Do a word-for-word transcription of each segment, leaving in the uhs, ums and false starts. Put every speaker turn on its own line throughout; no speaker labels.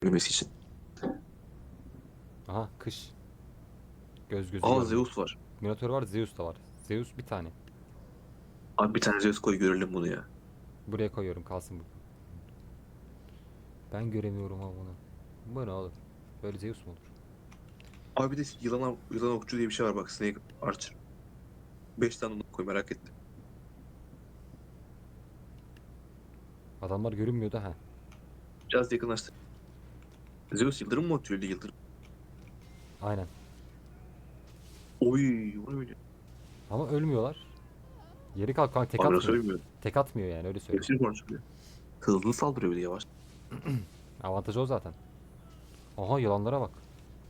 Ölmesi için.
Aha kış. Göz gözü
Aa,
görmüyor.
Zeus var.
Minotaur var, Zeus da var. Zeus bir tane.
Abi bir tane Zeus koy görelim bunu ya.
Buraya koyuyorum, kalsın bu. Ben göremiyorum ama bunu. Bu ne oğlum? Böyle Zeus mu olur?
Abi bir de yılan, yılan okçu diye bir şey var bak. Snake Archer. Beş tane onu koy, merak ettim.
Adamlar görünmüyor da ha.
Biraz yakınlaştır. Zeus yıldırım mı atıyor, öyle yıldırım?
Aynen.
Oy, o ne öyle?
Ama ölmüyorlar. Yeri kalk kanka, tek
Abi nasıl
atmıyor.
ölmüyor?
Tek atmıyor yani, öyle söyleyeyim.
Hepsini konuşuyor. Hızlı saldırıyor bir de, yavaş.
Avantajı o zaten. Aha yılanlara bak.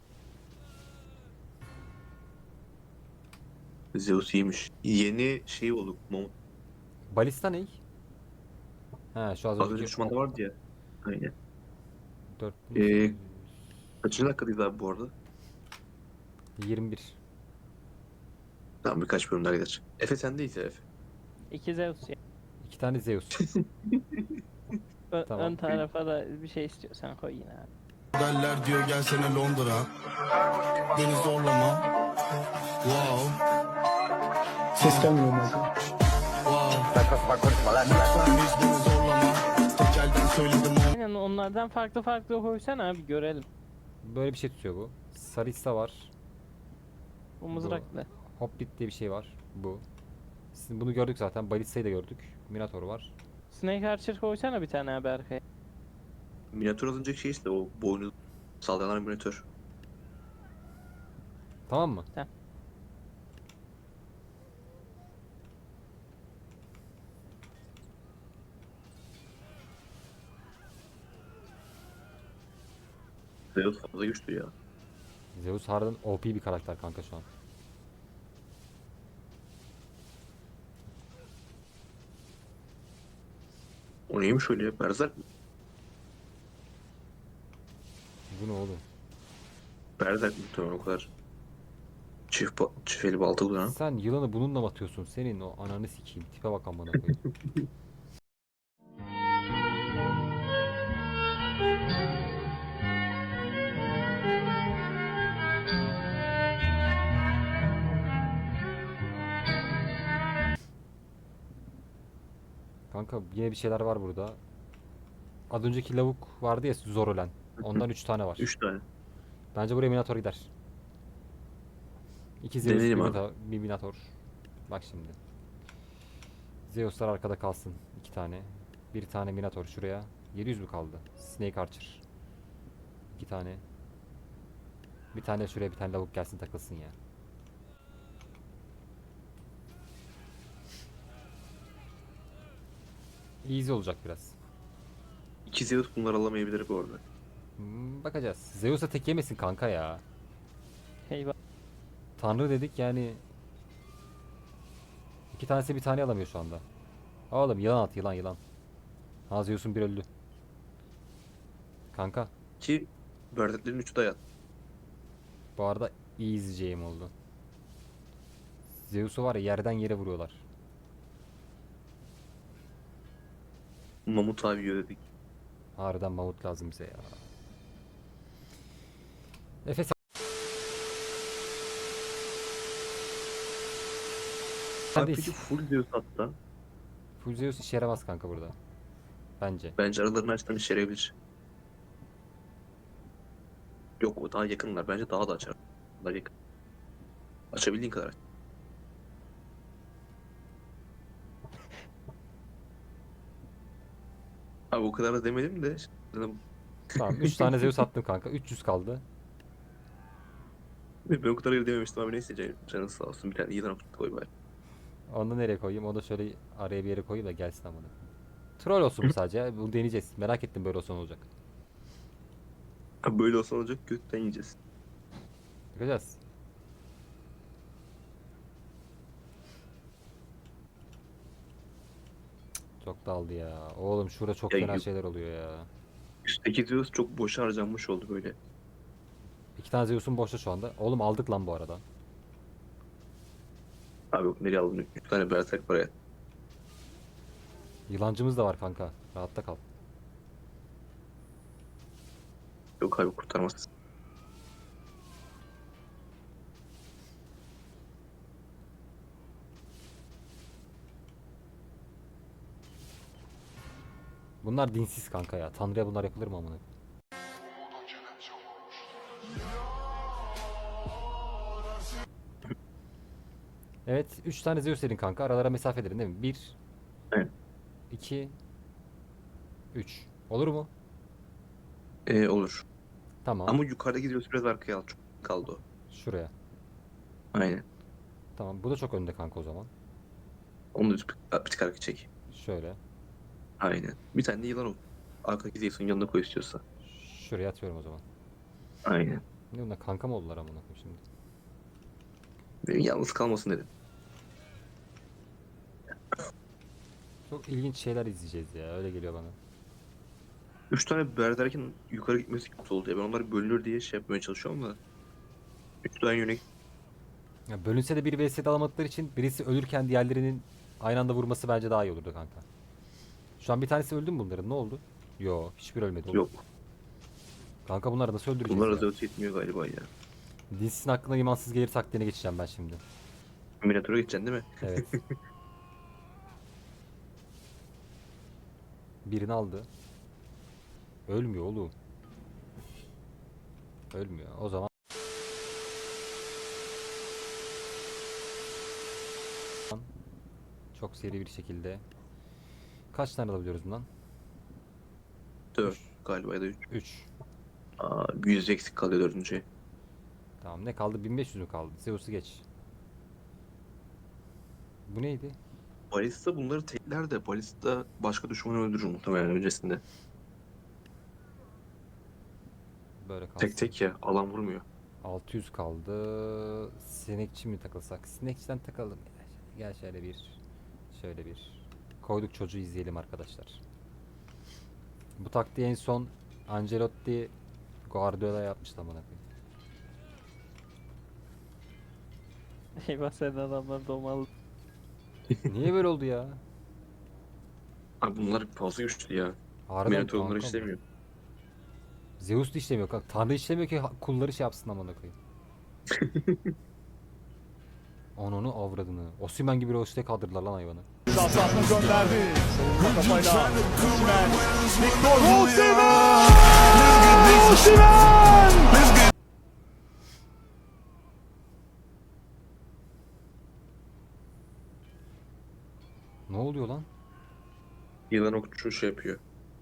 Zeus iyiymiş. Yeni şey oldu. Mamut.
Balista ne? Ha, şu az
Az önce
önceki
düşmanda
ok.
vardı ya. Aynen. Ee,
dört bin sekiz yüz
kaçıncı dakikadayız abi bu arada?
yirmi bir.
Tamam, birkaç bölüm daha gider. Efe sendeyiz ya, Efe.
İki Zeus ya.
İki tane Zeus.
Ö-
Tamam.
ön tarafa da bir şey istiyorsan koy yine abi.
Derler diyor gelsene Londra. Beni zorlama. Wow.
Ses gelmiyor mu?
Wow. Lütfen biz beni zorlama. Tek elden söyledim o.
Aynen onlardan farklı farklı koysana abi görelim.
Böyle bir şey tutuyor bu. Sarissa var.
Bu mızrakla.
Hoplite diye bir şey var. Bu. Sizin bunu gördük zaten. Balista'yı da gördük. Minotaur var.
Snake Archer koysana bir tane abi arkaya.
Minotaur az önceki şey işte, o boynu sallanan Minotaur.
Tamam mı?
Tamam.
Zeus fazla güçlü ya.
Zeus harbiden O P bir karakter kanka şu an.
O neymiş öyle ya? Berserk mi?
Bu ne oğlum?
Berserk muhtemelen o kadar. Çift, ba çift eli balta kullanan.
Sen yılanı bununla mı atıyorsun? Senin o ananı sikeyim. Tipe bak amına koyayım. Kanka yine bir şeyler var burada. Az önceki lavuk vardı ya, zor ölen. Ondan üç tane var.
Üç tane.
Bence buraya Minotaur gider. İki Zeus, bir,
Deneyelim abi.
Minotaur, bir Minotaur. Bak şimdi. Zeus'lar arkada kalsın. iki tane. Bir tane Minotaur şuraya. yedi yüz mü kaldı? Snake Archer. iki tane. Bir tane şuraya, bir tane lavuk gelsin takılsın ya. Easy olacak biraz.
İki Zeus bunları alamayabilir bu arada.
Hmm, bakacağız. Zeus'a tek yemesin kanka ya.
Eyvah.
Tanrı dedik yani. İki tanesi bir tane alamıyor şu anda. Oğlum yılan at, yılan yılan. Ha, Zeus'un bir öldü. Kanka
Ki Berserklerin üçü de hayat.
bu arada easy game oldu. Zeus'u var ya, yerden yere vuruyorlar.
Mamut abi yiyor dedik.
Harbiden mamut lazım bize ya. Efe sen
Abi
sendeyiz.
peki full Zeus hatta.
Full Zeus işe yaramaz kanka burada. Bence.
Bence aralarını açtan işe yarayabilir. Yok, o daha yakınlar. Bence daha da açar. Daha yakın. Açabildiğin kadar aç. Abi o kadar da demedim de. Dedim,
Tamam, üç tane Zeus attım kanka. üç yüz kaldı.
ben o kadar dememiştim abi, neyse canım. Canın sağ olsun, bir tane yılan okçu koy bari.
Onu da nereye koyayım? Onu da şöyle araya bir yere koyayım da gelsin amına. Troll olsun bu sadece ya. Bunu deneyeceğiz. Merak ettim böyle olsa ne olacak.
Abi böyle olsa olacak, gökten yiyeceğiz.
Bakacağız. Çok daldı ya. Oğlum şurada çok
Ya
fena
yu-
şeyler oluyor ya.
üstteki Zeus çok boşa harcanmış oldu böyle.
İki tane Zeus'un boşta şu anda. Oğlum aldık lan bu arada.
Abi yok, nereye aldın? Üç tane berserk var ya.
Yılancımız da var kanka. Rahatta kal.
Yok abi kurtarmaz.
Bunlar dinsiz kanka ya. Tanrı'ya bunlar yapılır mı amına? Evet, üç tane Zeus dedin kanka. Aralara mesafe dedin değil mi? bir,
Evet.
iki, üç. Olur mu?
Ee, olur.
Tamam.
Ama yukarıda gidiyoruz biraz arkaya al. Çok kaldı o.
Şuraya.
Aynen.
Tamam. Bu da çok önde kanka o zaman.
Onu da bir, bir tık arkaya çek.
Şöyle.
Aynen. Bir tane de yılan ol. Arkadaki Zeus'un yanına koy istiyorsa.
Şuraya atıyorum o zaman.
Aynen.
Ne bunlar kanka mı oldular amına koyayım şimdi?
Benim yalnız kalmasın dedim.
Çok ilginç şeyler izleyeceğiz ya. Öyle geliyor bana.
Üç tane berderken yukarı gitmesi kötü oldu ya. Ben onlar bölünür diye şey yapmaya çalışıyorum da. Üç tane yöne
Ya bölünse de bir vs alamadıkları için birisi ölürken diğerlerinin aynı anda vurması bence daha iyi olurdu kanka. Şu an bir tanesi öldü mü bunların? Ne oldu? Yo, hiçbir ölmedi. oğlum.
yok.
Kanka bunları nasıl öldüreceğiz
Bunlar
ya?
da öte yetmiyor galiba ya.
Dinsizin hakkında imansız gelir taktiğine geçeceğim ben şimdi.
Minator'a geçeceksin değil mi?
Evet. Birini aldı. Ölmüyor oğlum. Ölmüyor. O zaman çok seri bir şekilde kaç tane alabiliyoruz bundan?
Dört galiba ya da üç.
üç.
Aa, yüz eksik kalıyor dördüncü.
Tamam, ne kaldı? bin beş yüz mü kaldı? Zeus'u geç. Bu neydi?
Balista bunları tekler de Balista başka düşmanı öldürür muhtemelen öncesinde.
Böyle kalsın.
Tek tek ya alan vurmuyor.
altı yüz kaldı. Sinekçi mi takılsak? Sinekçiden takalım. Gel şöyle bir. Şöyle bir. Koyduk çocuğu izleyelim arkadaşlar. Bu taktiği en son Ancelotti Guardiola yapmıştı amına koyayım.
Eyvah senin adamlar domalı.
Niye böyle oldu ya?
Abi bunlar fazla güçlü ya.
Harbiden
Minotaur onları
kanka.
işlemiyor.
Zeus da işlemiyor kanka. Tanrı işlemiyor ki ha- kulları şey yapsın amına koyayım. Ananı avradını. Osimhen gibi roşte kaldırdılar lan hayvanı.
Safsat'la gönderdi. Savunma kafayla. Osimhen. Victor Osimhen! Osimhen!
Ne oluyor lan?
Yılan okçu şey yapıyor.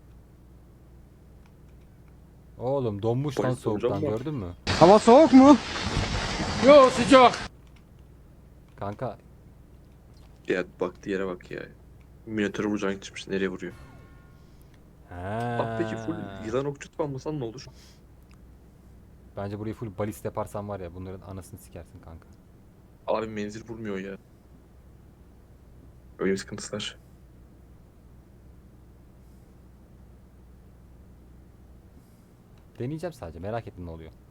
Oğlum donmuş lan
Polis
soğuktan,
hocam mı?
gördün mü?
Hava soğuk mu? Yo sıcak.
Kanka
Ya baktığı yere bak ya. Minotaur'u vuracağını gitmiş. Nereye vuruyor? Abi peki full
Ha.
yılan okçu tutmasan ne olur?
Bence burayı full balist yaparsan var ya bunların anasını sikersin kanka.
Abi menzil vurmuyor ya. Öyle bir sıkıntısı var.
Deneyeceğim sadece, merak ettim ne oluyor.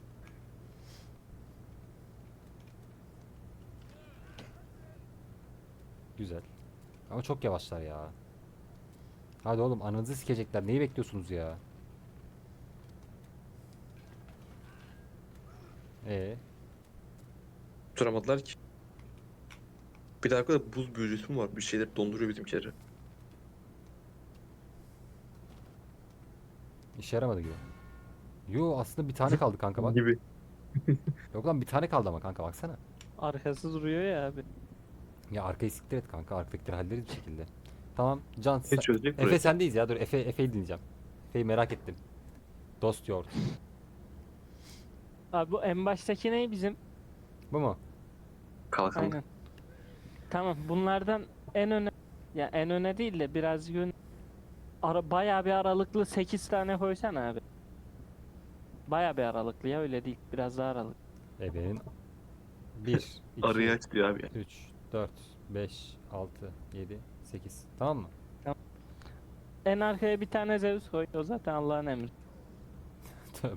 Güzel. Ama çok yavaşlar ya. Hadi oğlum, ananızı sikecekler. Neyi bekliyorsunuz ya? Ee,
Tutturamadılar ki. Bir de arkada buz büyücüsü mü var? Bir şeyler donduruyor bizimkileri.
işe yaramadı gibi. Yo, aslında bir tane kaldı kanka bak.
Gibi.
Yok lan, bir tane kaldı ama kanka baksana.
Arkası duruyor ya abi.
Ya arkayı siktir et kanka. Arkadakileri hallederiz bir şekilde. Tamam Can.
Ne
sen-
çözecek
Efe
burayı?
sendeyiz ya. Dur Efe Efe'yi dinleyeceğim. Efe'yi merak ettim. Dost yoğurt.
Abi bu en baştaki ne bizim?
Bu mu?
Kalkan.
Aynen. Tamam bunlardan en öne ya en öne değil de biraz yön ara bayağı bir aralıklı sekiz tane koysan abi. Bayağı bir aralıklı ya, öyle değil. Biraz daha aralıklı.
Efe'nin bir,
Arayı
iki,
aç diyor abi.
üç, dört, beş, altı, yedi, sekiz. Tamam mı?
En arkaya bir tane Zeus koy. O zaten Allah'ın emri.
Tövbe.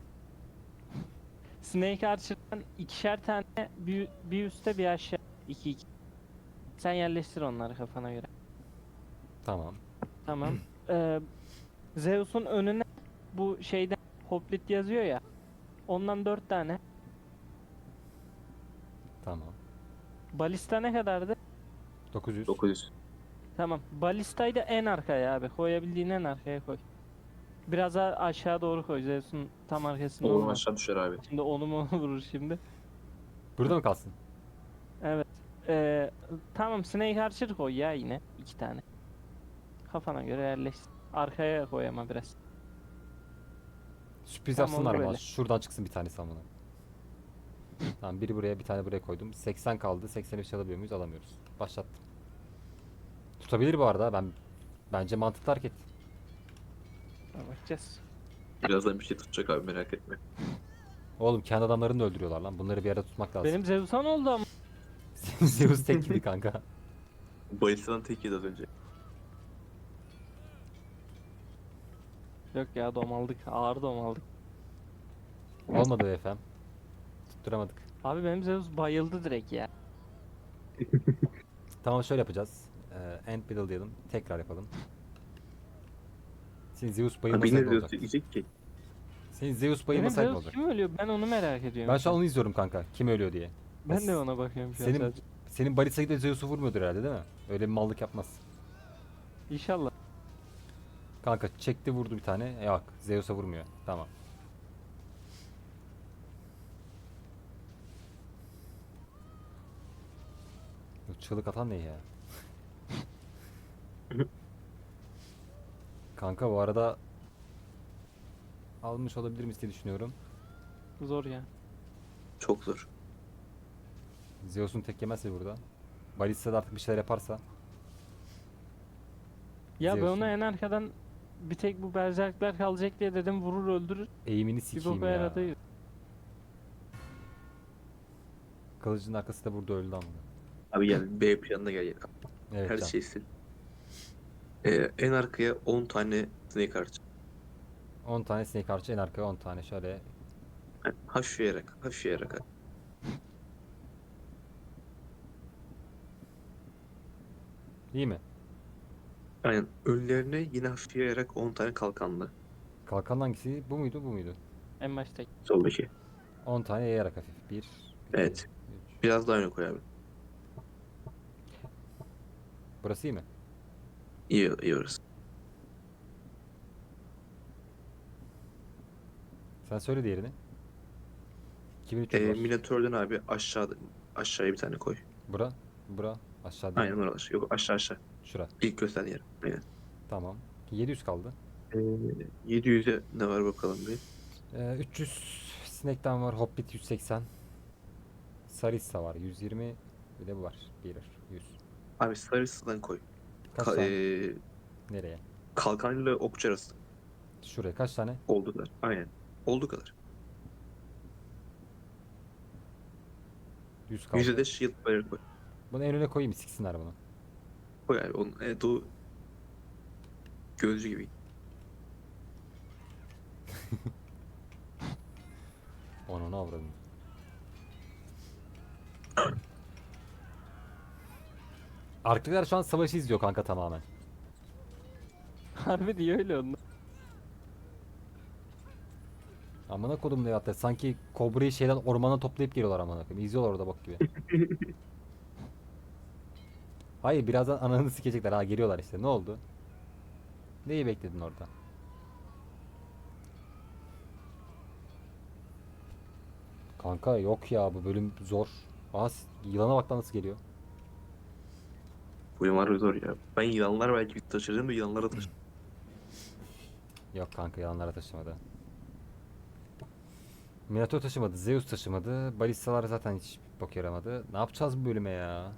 Snake Archer'dan ikişer tane bir, bir üstte bir aşağı. İki iki. Sen yerleştir onları kafana göre.
Tamam.
Tamam. Ee, Zeus'un önüne bu şeyden Hoplit yazıyor ya. Ondan dört tane.
Tamam.
Balista ne kadardı?
dokuz yüz.
dokuz yüz.
Tamam. Balistayı da en arkaya abi. Koyabildiğin en arkaya koy. Biraz daha aşağı doğru koy. Zeus'un tam arkasında
Oğlum
olmaz.
aşağı düşer abi.
Şimdi onu mu vurur şimdi?
Burada mı kalsın?
Evet. Ee, tamam Snake Archer koy ya yine. iki tane. Kafana göre yerleşsin. Arkaya koy ama biraz.
Sürpriz
Tamam,
yapsınlar ama
böyle.
şuradan çıksın bir tanesi amına. Tamam, biri buraya bir tane buraya koydum. seksen kaldı. seksen üç alabiliyor muyuz? Alamıyoruz. Başlattım. Tutabilir bu arada. Ben bence mantıklı hareket.
Bakacağız.
Birazdan bir şey tutacak abi, merak etme.
Oğlum kendi adamlarını da öldürüyorlar lan. Bunları bir arada tutmak lazım.
Benim Zeus'a ne oldu ama?
Zeus tek gibi kanka.
Balista'dan tek yedi az önce.
Yok ya domaldık. Ağır domaldık.
Olmadı be efendim. Tutturamadık.
Abi benim Zeus bayıldı direkt ya.
Tamam, şöyle yapacağız. Ee, end middle diyelim. Tekrar yapalım. Senin Zeus
Abi
bayılmasaydı
yine
ne
diyor
olacak?
diyecek ki.
Senin Zeus
Benim
bayılmasaydı ne
Zeus
olacak?
kim ölüyor? Ben onu merak ediyorum.
Ben şu an onu izliyorum kanka. Kim ölüyor diye.
Ben de ona bakıyorum şu an
Senin
sadece.
senin Barisa de Zeus'u vurmuyordur herhalde değil mi? Öyle bir mallık yapmaz.
İnşallah.
Kanka çekti vurdu bir tane. Yok, Zeus'a vurmuyor. Tamam. Bu çığlık atan ne ya? Kanka bu arada almış olabilir miyiz diye düşünüyorum.
Zor ya.
Çok zor.
Zeus'un tek yemezse burada. Balista da artık bir şeyler yaparsa.
Ya ben
Zeus'un.
ona en arkadan bir tek bu berzerkler kalacak diye dedim vurur öldürür.
Eğimini
Bir
sikeyim
boka
ya.
yaradı.
Kılıcın arkası da burada öldü ama.
Abi gel B planına gel.
Evet
Her
can.
şey sil. Ee, en arkaya on tane Snake Archer.
on tane snake archer, en arkaya on tane şöyle.
Yani hafifleyerek, hafifleyerek.
İyi mi?
Aynen. Önlerine yine hafifleyerek on tane kalkanlı.
Kalkan hangisi? Bu muydu, bu muydu?
En baştaki.
Soldaki.
on tane yayarak hafif. bir,
Evet.
üç.
Biraz daha öne koy abi.
Burası iyi mi?
İyi, iyi orası.
Sen söyle diğerini. iki bin üç yüz
Ee,
var.
Minotaur'dan abi aşağıda, aşağıya bir tane koy.
Bura, bura, aşağı değil.
Aynen oralar. Yok aşağı aşağı.
Şura.
İlk gösterdiğin yer. Aynen.
Tamam. yedi yüz kaldı.
Ee, yedi yüze ne var bakalım bir.
Ee, üç yüz Snake'den var. Hobbit yüz seksen. Sarissa var. yüz yirmi. Bir de bu var. bir, yüz.
Abi Sarısı'dan koy.
Kaç
Ka-
tane?
ee,
Nereye?
kalkanıyla okçu arası.
Şuraya kaç tane?
Olduğu kadar. Aynen. Olduğu kadar.
yüz kaldı.
Yüze de shield barrier koy.
Bunu en öne koyayım, siksinler bunu.
Koy abi. Onun, evet o gözcü gibi.
Onu ne avradım. Arkadakiler şu an savaşı izliyor kanka tamamen.
Harbi diyor öyle onlar.
Amına kodum ne hatta sanki kobrayı şeyden ormana toplayıp geliyorlar amına koyayım. İzliyorlar orada bak gibi. Hayır, birazdan ananı sikecekler, ha geliyorlar işte. Ne oldu? Neyi bekledin orada? Kanka yok ya, bu bölüm zor. Aa, s- yılana bak lan nasıl geliyor.
Bu yıllar zor ya. Ben yılanlar belki bir taşırdım da yılanlara taşırdım.
Yok kanka, yalanlara taşımadı. Minotaur taşımadı, Zeus taşımadı. Balistalar zaten hiç bok yaramadı. Ne yapacağız bu bölüme ya?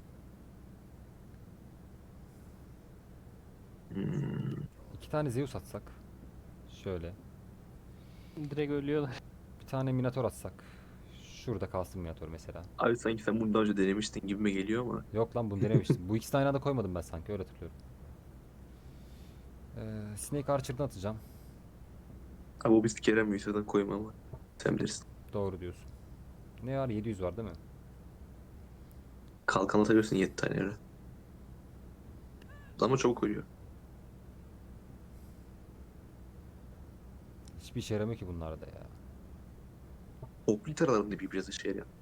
Hmm.
İki tane Zeus atsak. Şöyle.
Direkt ölüyorlar.
Bir tane Minotaur atsak. Şurada kalsın Minotaur mesela.
Abi sanki sen bunu daha önce denemiştin gibime geliyor ama.
Yok lan, bunu denemiştim. Bu ikisini aynı anda koymadım ben sanki, öyle hatırlıyorum. Ee, Snake Archer'dan atacağım.
Abi o biz Kerem Yusuf'dan koyma ama. Sen bilirsin.
Doğru diyorsun. Ne var? yedi yüz var değil mi?
Kalkan atabilirsin yedi tane yere. Ama çabuk ölüyor.
Hiç Hiçbir işe yaramıyor ki bunlar da ya.
Toplu aralarında bir biraz işe yarayan.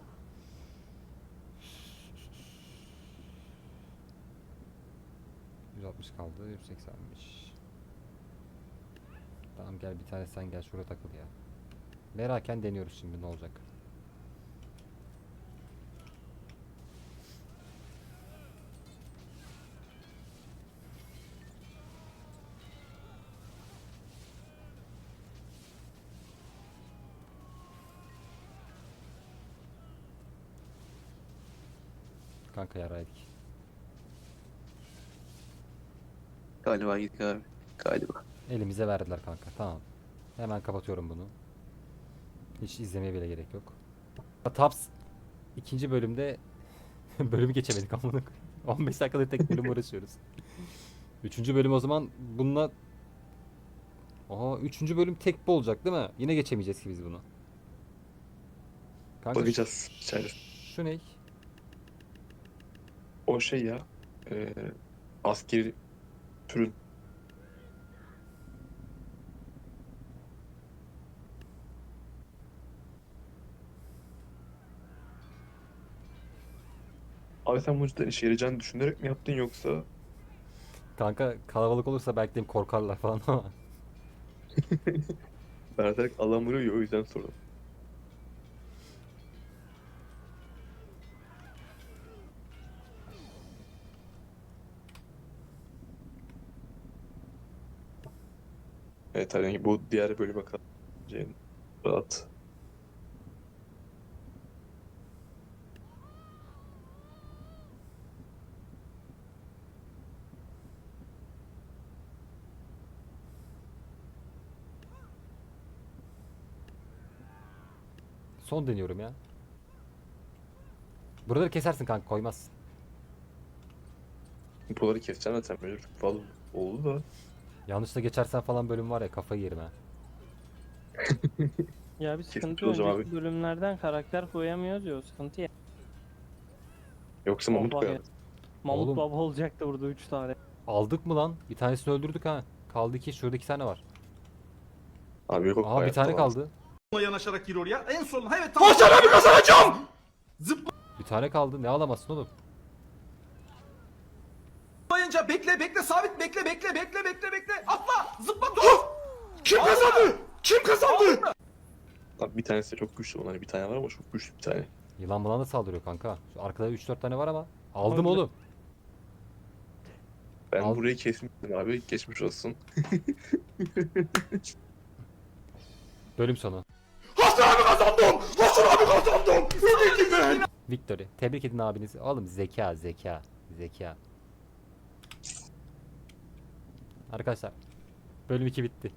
yüz altmış kaldı. yüz seksenmiş. Tamam gel bir tane sen gel şuraya takıl ya. Meraken deniyoruz şimdi ne olacak. Kanka yaraydık.
Galiba gittik abi. Galiba.
Elimize verdiler kanka. Tamam. Hemen kapatıyorum bunu. Hiç izlemeye bile gerek yok. Taps ikinci bölümde bölümü geçemedik amına koyayım. on beş dakikada tek bölüm uğraşıyoruz. Üçüncü bölüm o zaman bununla Aha üçüncü bölüm tek bu olacak değil mi? Yine geçemeyeceğiz ki biz bunu. Kanka
Bakacağız
şu-
içeride.
Şu ne?
O şey ya. E, askeri türün. Abi sen bunu cidden işe yarayacağını düşünerek mi yaptın yoksa
Kanka kalabalık olursa belki de korkarlar falan ama.
Berserk alan vuruyor ya o yüzden sordum. Evet hani bu diğer bölüme kalacağın rahat.
Son deniyorum ya. Buraları kesersin kanka koymazsın.
Buraları keseceğim zaten böyle çok fazla oldu da.
Yanlışla geçersen falan bölüm var ya kafayı yerim ha.
Ya bir
Kesin
sıkıntı
hocam
önceki
abi.
bölümlerden karakter koyamıyoruz ya o sıkıntı ya.
Yoksa
Oh,
Mamut
bak
koyardı.
Mamut
Oğlum.
baba olacaktı burada üç tane.
Aldık mı lan? Bir tanesini öldürdük ha. Kaldı ki şurada iki tane var.
Abi yok
Aha bir
hayatta
tane
olamaz.
kaldı.
yanaşarak gir oraya. En son evet tamam. Başarı kazanacağım.
Bir tane kaldı. Ne alamazsın oğlum?
Zıplayınca bekle bekle sabit bekle bekle bekle bekle bekle. Atla zıpla dur. Kim kazandı? Kim kazandı?
Abi bir tanesi de çok güçlü olan bir tane var ama çok güçlü bir tane.
Yılan bulan da saldırıyor kanka. Şu arkada üç dört tane var ama. Aldım
Öyle.
oğlum.
Ben
Al-
burayı kesmiştim abi geçmiş olsun.
Bölüm sonu.
Hasan abi kazandım. Hasan abi kazandım. Öyle ben.
Victory. Tebrik edin abinizi. Oğlum zeka zeka. Zeka. Arkadaşlar. Bölüm iki bitti.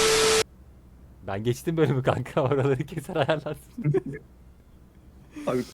Ben geçtim bölümü kanka. Oraları keser ayarlarsın.
Abi